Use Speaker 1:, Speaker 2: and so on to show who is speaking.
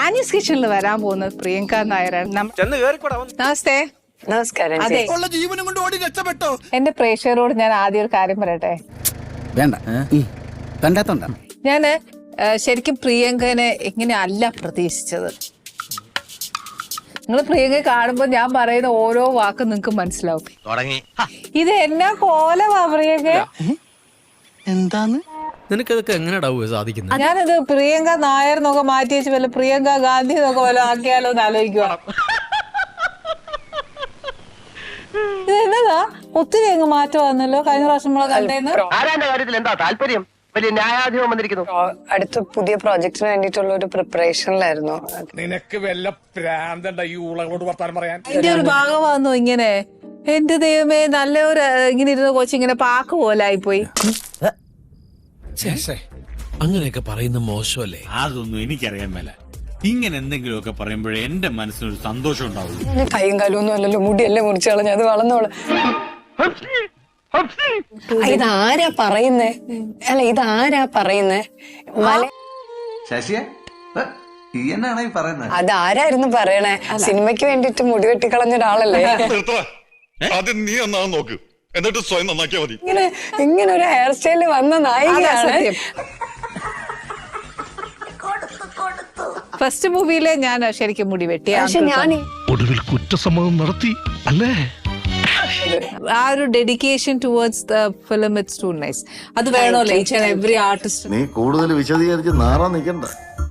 Speaker 1: Annie's കിച്ചണിൽ വരാൻ പോകുന്നത് പ്രിയങ്ക നായരാണ്. നമസ്തേ.
Speaker 2: നമസ്കാരം.
Speaker 1: അതെ,
Speaker 3: ജീവനും കൊണ്ട് ഓടി രക്ഷപ്പെട്ടോ.
Speaker 1: എന്റെ പ്രേക്ഷകരോട് ഞാൻ ആദ്യം ഒരു കാര്യം പറയട്ടെ.
Speaker 4: വേണ്ട കണ്ടാത്തോണ്ട.
Speaker 1: ഞാന് ശരിക്കും പ്രിയങ്കനെ ഇങ്ങനെ അല്ല പ്രതീക്ഷിച്ചത്. നിങ്ങൾ പ്രിയങ്ക കാണുമ്പോ ഞാൻ പറയുന്ന ഓരോ വാക്കും നിങ്ങൾക്ക് മനസ്സിലാവും. ഇത് എന്നാ കോലമാ പ്രിയങ്ക.
Speaker 3: എന്താന്ന്
Speaker 5: നിനക്കതൊക്കെ എങ്ങനെയാ സാധിക്കുന്നത്?
Speaker 1: ഞാനത് പ്രിയങ്ക നായർ എന്നൊക്കെ മാറ്റി വെച്ച് വല്ല പ്രിയങ്ക ഗാന്ധി എന്നൊക്കെ വല്ല ആക്കിയാലോ എന്ന് ആലോചിക്കുക. ഇത് എന്നതാ ഒത്തിരി അങ്ങ് മാറ്റം വന്നല്ലോ കഴിഞ്ഞ പ്രാവശ്യം നമ്മളെ കണ്ടേന്ന്.
Speaker 6: ആരാന്റെ കാര്യത്തിൽ എന്താ താല്പര്യം? വലിയ ന്യായാധിപം വന്നിരിക്കുന്നു.
Speaker 2: അടുത്ത പുതിയ പ്രോജക്റ്റിന് വേണ്ടിയിട്ടുള്ള ഒരു പ്രിപ്പറേഷനിലായിരുന്നു.
Speaker 3: നിനക്ക് വല്ല പ്രാന്തണ്ട ഈ ഊളകളോട് വർത്താനം പറയാൻ.
Speaker 1: എന്റെ ഒരു ഭാഗമാണെന്നോ ഇങ്ങനെ. എന്റെ ദൈവമേ, നല്ലൊരു ഇങ്ങനെ ഇരുന്ന കൊച്ചിങ്ങനെ പാക്ക് പോലായി പോയി.
Speaker 5: അങ്ങനെയൊക്കെ പറയുന്ന മോശമല്ലേ?
Speaker 7: അതൊന്നും എനിക്കറിയാൻ മേല. ഇങ്ങനെ എന്തെങ്കിലുമൊക്കെ പറയുമ്പോഴേ എന്റെ മനസ്സിനൊരു സന്തോഷം ഉണ്ടാവുള്ളൂ.
Speaker 2: കൈയും കാലും ഒന്നും അല്ലല്ലോ, മുടിയല്ലേ മുറിച്ചു കളഞ്ഞ, അത് വളർന്നോളൂ. ഇതാരാ പറയുന്നേ? അല്ല, ഇതാരാ പറയുന്നേ?
Speaker 8: ശശിയെ ഈ എന്നാണ് ഈ പറയുന്നത്?
Speaker 2: അതാരായിരുന്നു പറയണേ? സിനിമയ്ക്ക് വേണ്ടിട്ട് മുടി വെട്ടിക്കളഞ്ഞ ഒരാളല്ലേ?
Speaker 9: ആദ്യം നീ നന്നാവാൻ നോക്ക്, എന്നിട്ട് സ്വയം നന്നാക്കിയാ മതി.
Speaker 2: ഇങ്ങനെ ഒരു ഹെയർ സ്റ്റൈല് വന്ന നായികയാണ്.
Speaker 1: ഫസ്റ്റ് മൂവിയിലെ ഞാൻ ശരിക്കും മുടി വെട്ടിയ
Speaker 2: പക്ഷെ ഞാൻ
Speaker 9: ഒടുവിൽ കുറ്റസമ്മതം നടത്തി അല്ലേ?
Speaker 1: ആ ഒരു dedication towards the film it's too nice. അത് വേണമല്ലോ ഈച്ച് ആൻഡ് എവറി ആർട്ടിസ്റ്റ്.
Speaker 8: നീ കൂടുതൽ വിശദീകരിച്ച് നാറാൻ നിൽക്കണ്ട.